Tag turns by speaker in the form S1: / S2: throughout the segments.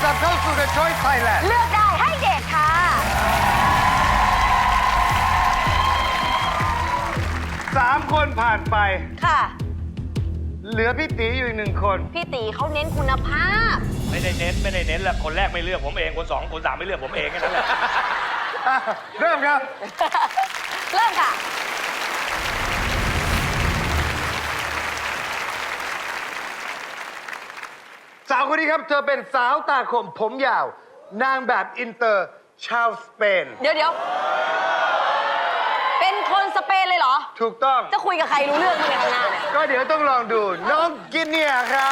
S1: กลับเข้าสู่ The Choice Thailand
S2: เลือกได้ให้เด็กค่ะ
S1: 3 คนผ่านไป
S2: ค่ะ
S1: เหลือพี่ตีอยู่อีก1 คน
S2: พี่ตีเขาเน้นคุณภาพ
S3: ไม่ได้เน้นแหละคนแรกไม่เลือกผมเองคน2คน3ไม่เลือกผมเองแค่นั้นแหละ
S1: เริ่มครับ
S2: เริ่มค่ะ
S1: สาวคนนี้ครับ เธอเป็นสาวตาคมผมยาว นางแบบอินเตอร์ชาวสเปน
S2: เดี๋ยวเป็นคนสเปนเลยเหรอ
S1: ถูกต้อง
S2: จะคุยกับใครรู้เรื่องยังไงข้างหน้าเนี่ย
S1: ก็เดี๋ยวต้องลองดู น้องกินเนี่ยครับ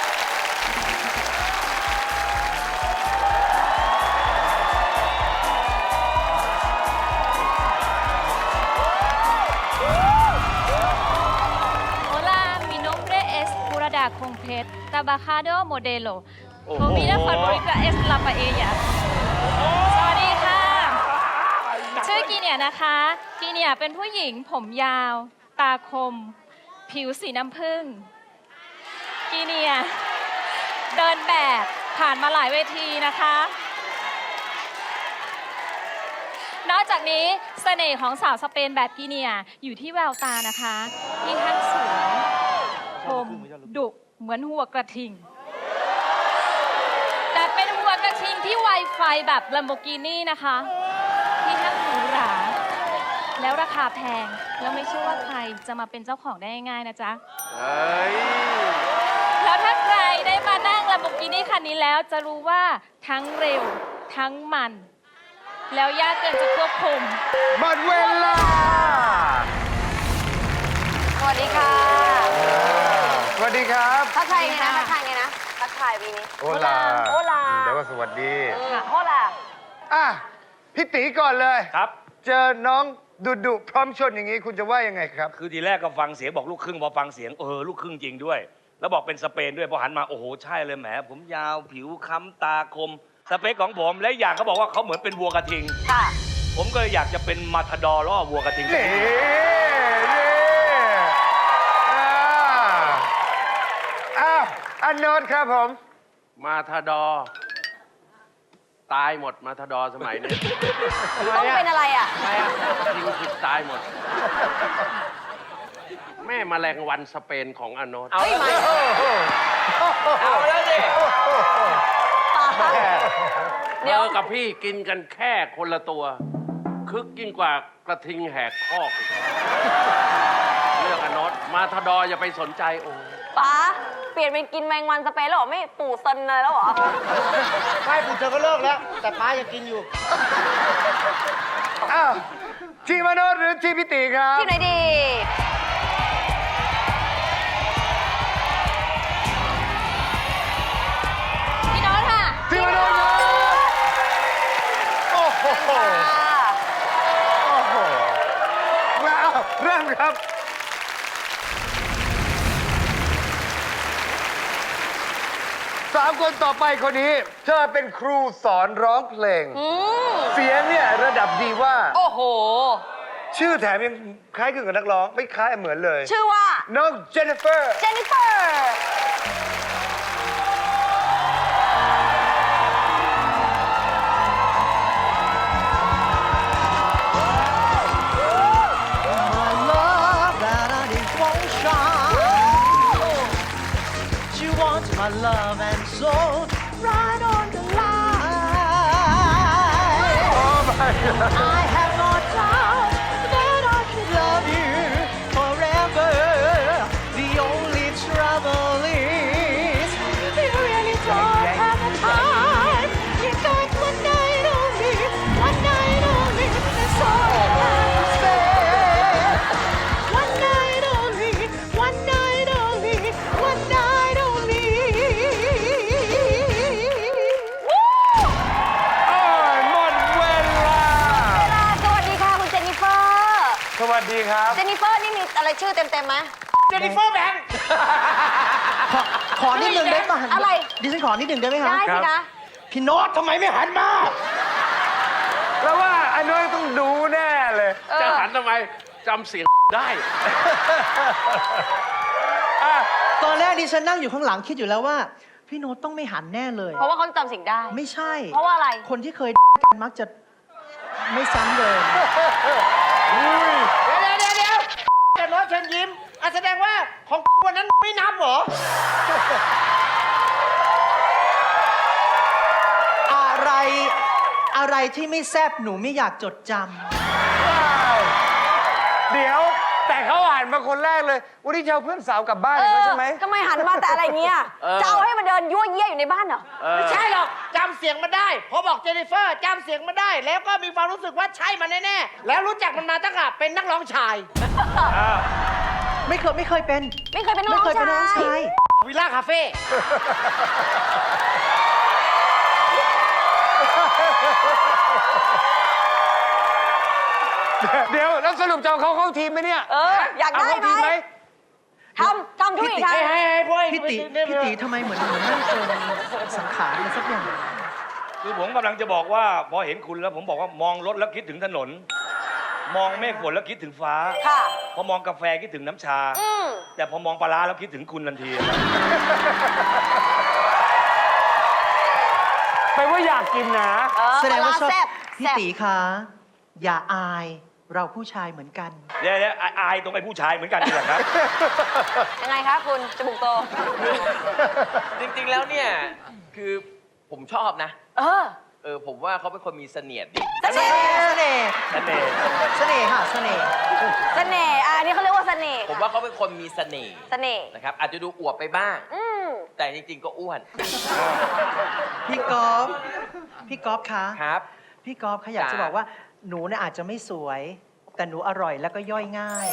S4: Hola, mi nombre es Purada Compet, trabajador modelo. Comida favorita es la paella. สวัสดีค่ะ ชื่อกีเนียนะคะ กีเนียเป็นผู้หญิงผมยาว ตาคม ผิวสีน้ำผึ้ง กีเนียเดินแบบผ่านมาหลายเวทีนะคะ นอกจากนี้เสน่ห์ของสาวสเปนแบบกีเนียอยู่ที่แววตานะคะที่ทั้งสวยคมดุเหมือนหัวกระทิง แต่เป็นหัวกระทิงที่ไวไฟแบบ Lamborghini นะคะ ที่ทั้งหรูหราแล้วราคาแพง แล้วไม่เชื่อว่าใครจะมาเป็นเจ้าของได้ง่ายๆนะจ๊ะ
S1: เฮ้ย
S4: แล้วถ้าใครได้มานั่ง Lamborghini คันนี้แล้วจะรู้ว่าทั้งเร็วทั้งมัน แล้วยากเกินจะควบคุม
S1: หมดเวลา
S2: สวัสดีค่ะ
S1: สวัสดีครับ
S2: ทักทายไงนะ ทักทายไงนะ ทักทายวีนี้
S1: โอลา
S2: โอลา
S1: เดี๋ยวว่าสวัสดี
S2: โอลา
S1: อ่ะ พี่ตีก่อนเลย
S3: ครับ
S1: เจอน้องดุพร้อมชนอย่างนี้คุณจะว่ายังไงครับ
S3: คือทีแรกก็ฟังเสียงบอกลูกครึ่งพอฟังเสียงลูกครึ่งจริงด้วย แล้วบอกเป็นสเปนด้วยพอหันมาโอ้โหใช่เลยแหมผมยาวผิวค้ำตาคมสเปคของผมและอย่างเขาบอกว่าเขาเหมือนเป็นวัวกระทิง
S2: ค่ะ
S3: ผมก็เลยอยากจะเป็นมาทาดอร์ล่อวัวกระทิง
S1: นี่อ้าวอันโนตครับผม
S5: มาทาดอร์ตายหมดมาทาดอร์สมัยนี้
S2: ต้องเป็นอะไรอ่ะ
S5: ยิงผิดตายหมด แม่มาแรงวันสเปนของอาโนต
S2: เฮ้ยมา
S3: เอาแล้วสิ
S2: เดี๋ยว
S5: กับพี่กินกันแค่คนละตัว คึกยิ่งกว่ากระทิงแหกคอกอีกเลือกอาโนตมาทาดอร์อย่าไปสนใจโอ้
S2: ป๋าเปลี่ยนเป็นกินแมงวันสเปนแล้วเหรอ ไม่ปู่เซนเลยแล้วเหรอ
S6: ไม่ปู่เธอก็เลิกแล้ว แต่ป้ายังกินอยู่
S1: อ้าว ทีมอโนตหรือทีมพี่ตีครับ
S2: ทีมไหนดี
S4: พี่โน้ตค่ะ
S1: ทีมอโนตครับโอ้โห โอ้โหมาเอาเริ่มครับ3 คนต่อไปคนนี้ เธอเป็นครูสอนร้องเพลง เสียงเนี่ยระดับดีว่า
S2: โอ้โห
S1: ชื่อแถมยังคล้ายคลึงกับนักร้อง ไม่คล้ายเหมือนเลย
S2: ชื่อว่า
S1: น้องเจนนิเฟอร์
S2: เจนนิเฟอร์
S6: My love that I did won't shine. She wants my love and soul right on the line.
S1: Oh my God.
S6: I have no doubt that I could love you forever. The only trouble is you really don't have the time. You got one night only, one night only. That's all I have to spare. One night only, one night only, one night only.
S1: โอ้ยหมดเวลา
S2: สวัสดีค่ะคุณเจนนิเฟอร์
S1: สวัสดีครับ
S2: เจนนิเฟอร์นี่มีอะไรชื่อเต็มๆไหม
S6: เจนนิเฟอร์แบงค์ขอนิดนึงได้ป่ะ
S2: อะไร
S6: ดิฉันขอนิดนึงได้ไหมคะ
S2: ได้สิคะ
S6: พี่โน้ตทำไมไม่หันมา
S1: แล้วว่าอันนู้นต้องดูแน่เลย
S5: จะหันทำไมจำเสียงได้
S6: ตอนแรกดิฉันนั่งอยู่ข้างหลังคิดอยู่แล้วว่าพี่โน้ตต้องไม่หันแน่เลย
S2: เพราะว่าเขาจำสิ่งได้
S6: ไม่ใช่
S2: เพราะว่าอะไร
S6: คนที่เคยกันมักจะไม่ซ้ำเลย
S1: เดี๋ยวแต่น้อยเชิญยิ้มแสดงว่าของวันนั้นไม่นับเหรอ
S6: อะไรที่ไม่แซบหนูไม่อยากจดจ
S1: เดี๋ยวแต่เขาอ่านมาคนแรกเลยวันนี้จะเอาเพื่อนสาวกลับบ้านเลยใช่ไหม
S2: ทำไมหันมาแต่อะไรเงี้ย จะเอาให้มันเดินยั่วเยี่ยอยู่ในบ้านเหรอ
S1: ไม่ใช่หรอกจำเสียงมันได้พอบอกเจนนิเฟอร์จำเสียงมันได้ แล้วก็มีความรู้สึกว่าใช่มันแน่ๆแล้วรู้จักมันมาตั้งแต่เป็นนักร้องชาย
S6: ำไม่เคยเป็น
S2: ไม่เคยเป็นนัก
S6: ไม่
S2: ร้อง
S6: เคยเป็นน้อง
S2: ชา
S6: ชาย ย
S1: วิลล่าคาเฟ่ เดี๋ยวแล้วสรุปจะเอาเขาเข้าทีมไหมเนี่ย
S2: อยากได้
S1: เข้าทีม
S2: ไห
S1: ไห
S2: ม
S1: ม
S2: ทำทุกอย่าง
S1: ให้พวก
S6: พี่ตีทำไมเหมือนนั่งเจอสังขารอะไรสักอย่าง
S3: คือผมกำลังจะบอกว่าพอเห็นคุณแล้วผมบอกว่ามองรถแล้วคิดถึงถนน มองเมฆฝนแล้วคิดถึงฟ้า
S2: ค่ะ
S3: พอมองกาแฟคิดถึงน้ำชา แต่พอมองปลาร้าแล้วคิดถึงคุณทันที
S1: ไปว่าอยากกินนะ
S6: แสดงว่าชอบ
S2: แซ่บ
S6: พี่ตีคะอย่าอายเราผู้ชายเหมือนกัน
S3: เดี๋ยวอายตรงไอ้ผู้ชายเหมือนกันนี่แหละครับ
S2: ยังไงคะคุณจมูกโต
S7: จริงๆ แล้วเนี่ย คือผมชอบนะ ผมว่าเขาเป็นคนมีเสนียดดี
S2: เสน่ห์
S6: เสน่ห์
S3: นั่นเอง
S6: เสน่ห์ค่ะเสน่ห์
S2: เสน่ห์อันนี้เขาเรียกว่าเสน่ห์
S7: ผมว่าเขาเป็นคนมีเสน่ห์
S2: เสน่ห์
S7: นะครับ อาจจะดูอวบไปบ้าง
S2: อืม
S7: แต่จริงๆ ก็อ้วน
S6: พี่กอล์ฟคะ
S7: ครับ
S6: พี่กอล์ฟคะอยากจะ
S7: จ้ะ
S6: บอกว่าหนูเนี่ยอาจจะไม่สวย แต่หนูอร่อยแล้วก็ย่อยง่าย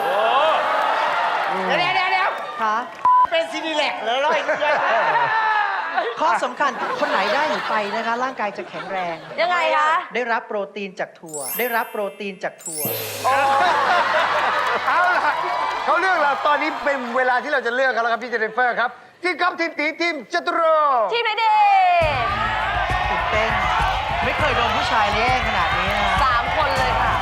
S1: เดี๋ยว
S6: คะ
S1: เป็นซีดีแลกเลย
S6: ข้อสำคัญคนไหนได้หนูไปนะคะ ร่างกายจะแข็งแรง
S2: ยังไงคะ
S6: ได้รับโปรตีนจากถั่ว ได้รับโปรตีนจากถั่ว
S1: เอาล่ะเขาเลือกเราตอนนี้เป็นเวลาที่เราจะเลือกกันแล้วครับพี่เจนนิเฟอร์ครับทีมก๊อฟทีมตีทีมจตุรงค์
S2: ทีมไหนดี
S6: ตื่นเต้น ไม่เคยโดนผู้ชายแย่งขนาดนี้นะ
S2: 3 คนเลยค่ะ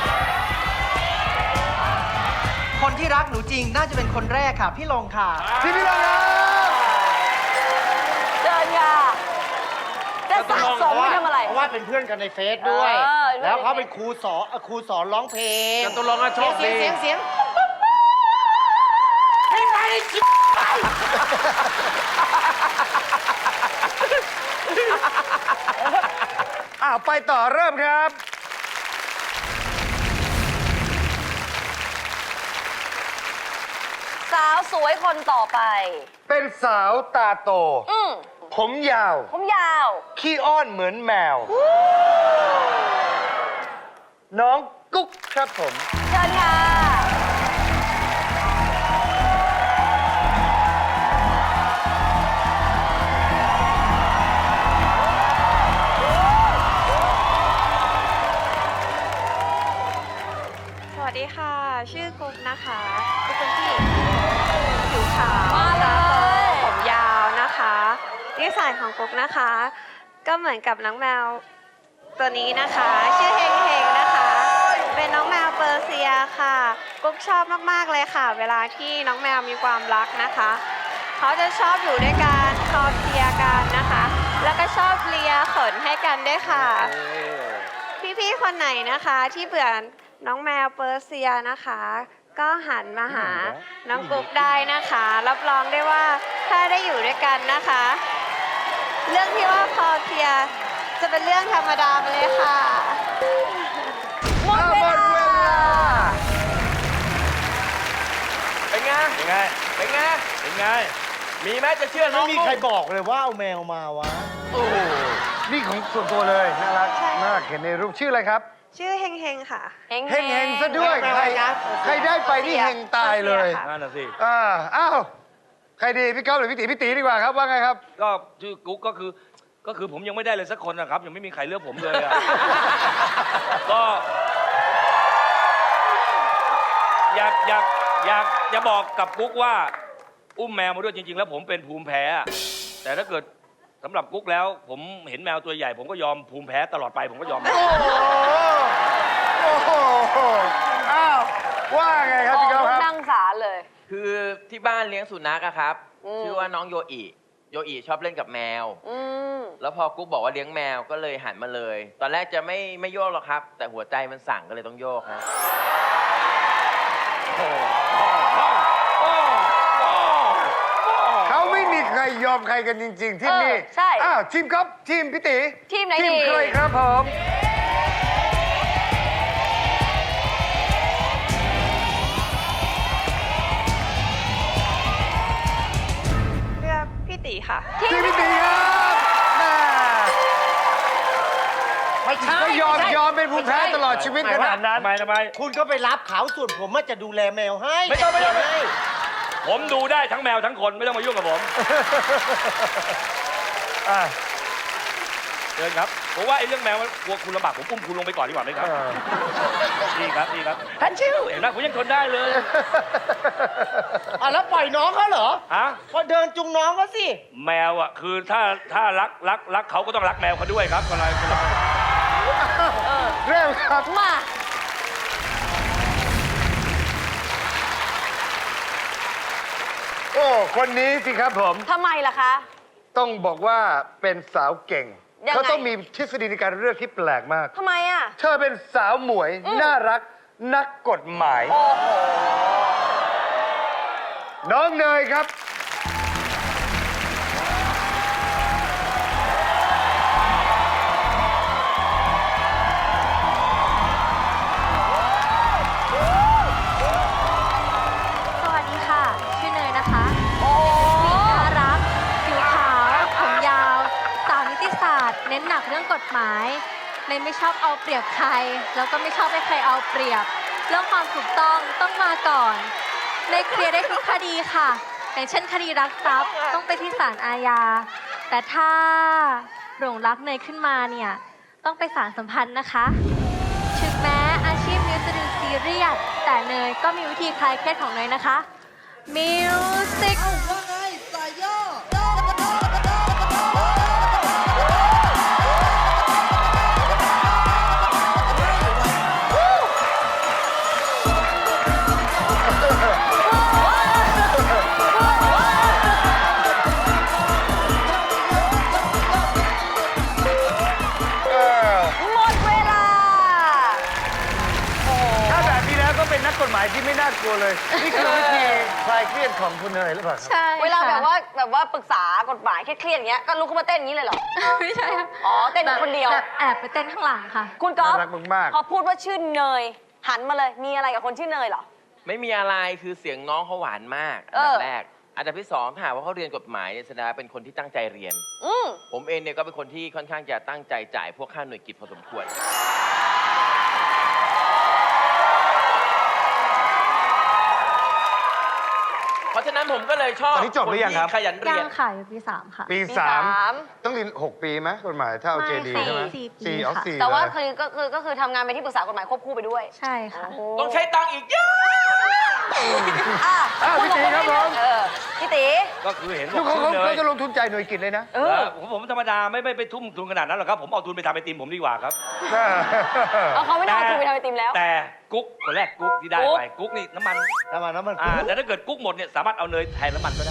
S6: คนที่รักหนูจริงน่าจะเป็นคนแรกค่ะ พี่ลงค่ะ
S1: ทีมพี่ลงครับ
S2: เชิญค่ะจะสะสมไม่ทำอะไร
S1: เพราะว่าเป็นเพื่อนกันในเฟซด้วย แล้วเขาเป็นครูสอนร้องเพลง
S5: จตุรงค์อะโชคดี
S1: เสียงไม่ไปจิบไปต่อเริ่มครับ
S2: สาวสวยคนต่อไป
S1: เป็นสาวตาโต
S2: ม
S1: ผมยาว
S2: ผมยาว
S1: ขี้อ้อนเหมือนแมว น้องกุ๊กครับผม
S2: เชิญค่ะ
S8: สวัสดีค่ะ ชื่อกุ๊กนะคะ เป็นคนที่ผิวขาว
S2: มาเลย
S8: ผมยาวนะคะนิสัยของกุ๊กนะคะ ก็เหมือนกับน้องแมวตัวนี้นะคะ ชื่อเฮงเฮงนะคะ เป็นน้องแมวเปอร์เซียค่ะ กุ๊กชอบมากๆเลยค่ะ เวลาที่น้องแมวมีความรักนะคะ เขาจะชอบอยู่ด้วยกันคลอเคลียร์กันนะคะ แล้วก็ชอบเลียขนให้กันด้วยค่ะ พี่ๆ คนไหนนะคะที่เบื่อน้องแมวเปอร์เซียนะคะ ก็หันมาหาน้องกุ๊กได้นะคะ รับรองได้ว่าถ้าได้อยู่ด้วยกันนะคะ เรื่องที่ว่าคอเคลียร์จะเป็นเรื่องธรรมดาไปเลยค่ะ
S2: หมดเวลา
S7: เป็นไง
S3: เป็นไง
S7: เป็นไง
S3: เป็นไง
S7: มีไหมจะเชื่อน้
S1: ไม่
S7: อง
S1: มีใครบอกเลยว่าเอาแมวมาวะ โอ้โห นี่ของส่วนตัวเลย น่ารัก
S8: ใช่ค่ะ
S1: มากเห็นในรูปชื่ออะไรครับ
S8: ชื่อเฮงเฮงค่ะ
S2: เฮง
S1: เฮงเฮงซะด้วย ใครได้ไปนี่เฮงตายเลย
S8: ค่ะ
S3: นั่นน่ะสิ
S1: อ้าว ใครดีพี่ก้าวหรือพี่ตีดีกว่าครับ ว่าไงครับ
S3: ก็ชื่อกุ๊กก็คือผมยังไม่ได้เลยสักคนนะครับ ยังไม่มีใครเลือกผมเลยอะ ก็อยากจะบอกกับกุ๊กว่า อุ้มแมวมาด้วยจริง ๆ แล้วผมเป็นภูมิแพ้อะแต่ถ้าเกิดสำหรับกุ๊กแล้ว ผมเห็นแมวตัวใหญ่ ผมก็ยอมภูมิแพ้ตลอดไปผมก็ยอม
S1: โอ้โห อ้าว ว่าไงครับพี่ก้าวครับ
S2: นั่งสารเลย
S7: คือที่บ้านเลี้ยงสุนัขอะครับ
S2: อืม
S7: ชื่อว่าน้องโยอิโยอิชอบเล่นกับแมว
S2: อืม
S7: แล้วพอกุ๊กบอกว่าเลี้ยงแมวก็เลยหันมาเลย ตอนแรกจะไม่โยกหรอกครับ แต่หัวใจมันสั่งก็เลยต้องโยกฮะ
S1: เขาไม่มีใครยอมใครกันจริง ๆ ที่นี่
S2: ใช่
S1: อ้าวทีมครับทีมพี่ตี
S2: ทีมไหน
S1: ทีม
S2: ดี
S1: ใครครับผม
S8: เลือกพี่ตีค่ะ
S1: ทีมพี่ตีครับแม่
S6: ไม่ใช่
S1: ก็ยอมเป็นผู้แพ้ตลอดชีวิตขนาดนั้น
S3: ทำไม
S6: คุณก็ไปรับเขาส่วนผมจะดูแลแมวให้
S3: ไม่ต้องผมดูได้ทั้งแมวทั้งคนไม่ต้องมายุ่งกับผม
S1: อ่ะ
S3: เชิญครับผมว่าไอ้เรื่องแมวกลัวคุณลำบากผมอุ้มคุณลงไปก่อนดีกว่าไหมครับ ดีครับดีครับฮันชิวเห็นไหมผมยังทนได้เลย
S6: แล้วปล่อยน้องเขาเหรอ
S3: ฮะ
S6: พอเดินจุงน้องเขาสิ
S3: แมวอ่ะคือถ้ารักเขาก็ต้องรักแมวเขาด้วยครับอะไร
S1: เริ่มครับ
S2: มา
S1: โอ้คนนี้สิครับผม
S2: ทำไมล่ะคะ
S1: ต้องบอกว่าเป็นสาวเก่ง
S2: ยังไง
S1: เขาต้องมีทฤษฎีในการเลือกที่แปลกมาก
S2: ทำไมอ่ะ
S1: เธอเป็นสาวหมวย น่ารัก นักกฎหมาย
S2: โอ้โห
S1: น้องเนยครับ
S8: สวัสดีค่ะ ชื่อเนยนะคะเป็นผู้หญิงน่ารัก ผิวขาว ผมยาว สาวนิติศาสตร์ เน้นหนักเรื่องกฎหมายเลยไม่ชอบเอาเปรียบใคร แล้วก็ไม่ชอบให้ใครเอาเปรียบ เรื่องความถูกต้องมาก่อนเลยเคลียร์ได้ทุกคดีค่ะ อย่างเช่นคดีรักทรัพย์ต้องไปที่ศาลอาญา แต่ถ้าหลงรักเนยขึ้นมาเนี่ย ต้องไปศาลสัมพันธ์นะคะ ถึงแม้อาชีพนี้จะดูซีเรียส แต่เนยก็มีวิธีคลายเครียดของเนยนะคะ มิวสิก
S2: หมดเวลา
S1: ถ้าแบบนี้แล้วก็เป็นนักกฎหมายที่ไม่น่ากลัวเลย นี่คือวิธีคลายเครียดของคุณเนยหรือเปล่าครับ
S8: ใช่
S2: เวลา
S8: ค่ะ
S2: แบบว่าปรึกษากฎหมายเครียดๆอย่างเงี้ย ก็ลุกขึ้นมาเต้นอย่างนี้เลยเหรอ
S8: ไม่ใช่ค่ะ
S2: อ๋อ เต้นอยู่คนเดียว
S8: แบบแอบไปเต้นข้างหลังค่ะ
S2: คุณก๊อฟ
S1: น่ารักมากๆ
S2: พอพูดว่าชื่อเนย หันมาเลย มีอะไรกับคนชื่อเนยเหรอ
S7: ไม่มีอะไรคือเสียงน้องเขาหวานมากอัน
S2: เอ
S7: ดั
S2: อ
S7: บแรก อันดับที่สองถ้าหากว่าเขาเรียนกฎหมายเนี่ยแสดงว่าเป็นคนที่ตั้งใจเรียน
S2: อืม
S7: ผมเองเนี่ยก็เป็นคนที่ค่อนข้างจะตั้งใจจ่ายพวกค่าหน่วยกิจพอสมควร เพราะฉะนั้นผมก็เลยชอบ
S1: ตอนนี้จบหรือยังครับ
S7: นที่ขยันเรี
S8: ยั
S7: ยน
S8: งค่ะอยู่ปี 3 ค่ะ
S1: ปี
S2: ปี
S1: สาม
S2: สาม
S1: ต้องเรียน6 ปีไหมกฎหมายถ้าเอาเจดี
S8: ไม่
S1: ใช่ไหม
S8: สี่ปี
S1: สี่เอา
S8: ค่ะ
S1: สี่
S2: แต่ว่า
S1: เลย
S2: ก็คือทำงานเป็นที่ปรึกษากฎหมายควบคู่ไปด้วย
S8: ใช่ค่ะ
S7: ต้องใช้ตังค์อีกเยอะ
S2: อ่ะ
S1: อ้าวพี่ตีครับผม
S2: เออพี่ตี
S3: ก็คือเห็น
S1: ลู
S3: บ
S1: ก
S3: อก
S1: เขา
S3: ชื่อ
S1: เขา
S3: เนย
S1: จะลงทุนจ่ายหน่วยกิจเลยนะ
S2: เออ
S3: ผมธรรมดาไม่ไปทุ่มทุนขนาดนั้นหรอกครับ ผมเอาทุนไปทำไอติมผมดีกว่าครับ
S2: เอาเขาไม่ได้เอาคุณไปทำไอติมแล้ว
S3: แต่กุ๊กคนแรกกุ๊กที่ได้
S2: กุ๊ก
S3: ไปกุ๊กนี่น้ำมัน
S6: น้ำมัน
S3: แต่ถ้าเกิดกุ๊กหมดเนี่ยสามารถเอาเนยแทนน้ำมันก็ได้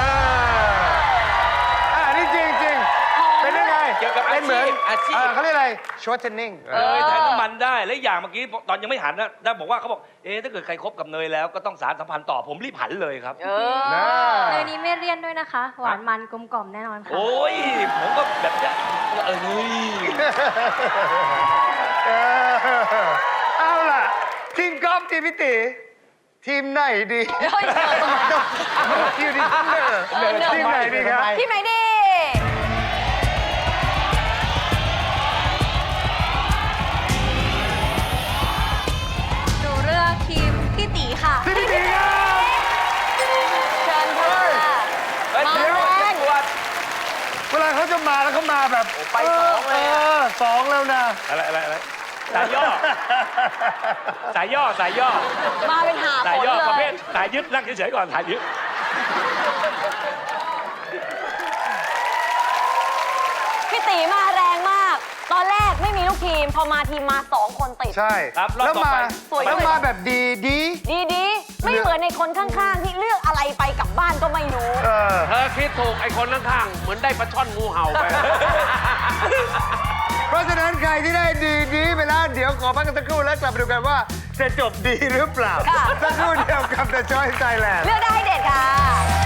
S1: นี่จริงจริงๆเป็นยังไง
S7: เกี่ยวกับอาชีพ
S1: เป็นเหมือน
S7: อาชีพ
S1: เขาเรียกอะไร shortening
S3: เนยแทนน้ำมันได้ และอย่างเมื่อกี้ตอนยังไม่หันนะได้บอกว่าเขาบอกถ้าเกิดใครคบกับเนยแล้วก็ต้องสารสัมพันธ์ต่อผมรีบหันเลยครับ
S2: เออ
S1: นะ
S8: เนยนี้ไม่เรียนด้วยนะคะ หวานมันกลมกล่อมแน่นอนค่ะ
S3: โอ้ยผมก็แบบเนี้ยเนย
S1: เอาล่ะ ทีมกอล์ฟทีมพิตีทีมไหนดี
S2: เฮ้ย
S1: ทีมนี้ทีมไหนดีครับ
S2: พี่ไหมดี
S8: หนูเลือกทีมพี่ตีค่ะ
S1: ทีมพิตีครับ
S2: เชิญค่ะ มาแรง
S1: เวลาเขาจะมาแล้วเขามาแบบ
S7: ไปสองเลยอะ
S1: สองแล้วนะ
S3: อะไรสายย่อ สายย่อ สายย่อ
S2: มาเป็นหา
S3: สาย
S2: ผล
S3: ย่อ
S2: เล
S3: ประเภ
S2: ย
S3: ทสายยึดนั่งเฉยๆก่อนสายยึด
S2: พี่ตีมาแรงมาก ตอนแรกไม่มีลูกทีม พอมาทีมมา 2 คนติด
S1: ใช่
S3: ครับรอบ
S1: แล้ว
S3: ต่อ
S1: มา
S3: ไป
S2: สวย
S1: แล้ว
S2: ด้วย
S1: มาแบบดี
S2: ดีไม่เหมือนในคนข้างๆ ที่เลือกอะไรไปกลับบ้านก็ไม่รู้
S5: เธอคิดถูกไอ้คนข้างๆเหมือนได้ปลาช่อนงูเห่าไป
S1: เพราะฉะนั้นใครที่ได้ดีไปแล้ว เดี๋ยวขอพักกันสักครู่แล้วกลับมาดูกันว่าจะจบดีหรือเปล่า
S2: ค่ะ
S1: สักครู่เดียวกับ The Choice Thailand
S2: เลือกได้ให้เด็ดค่ะ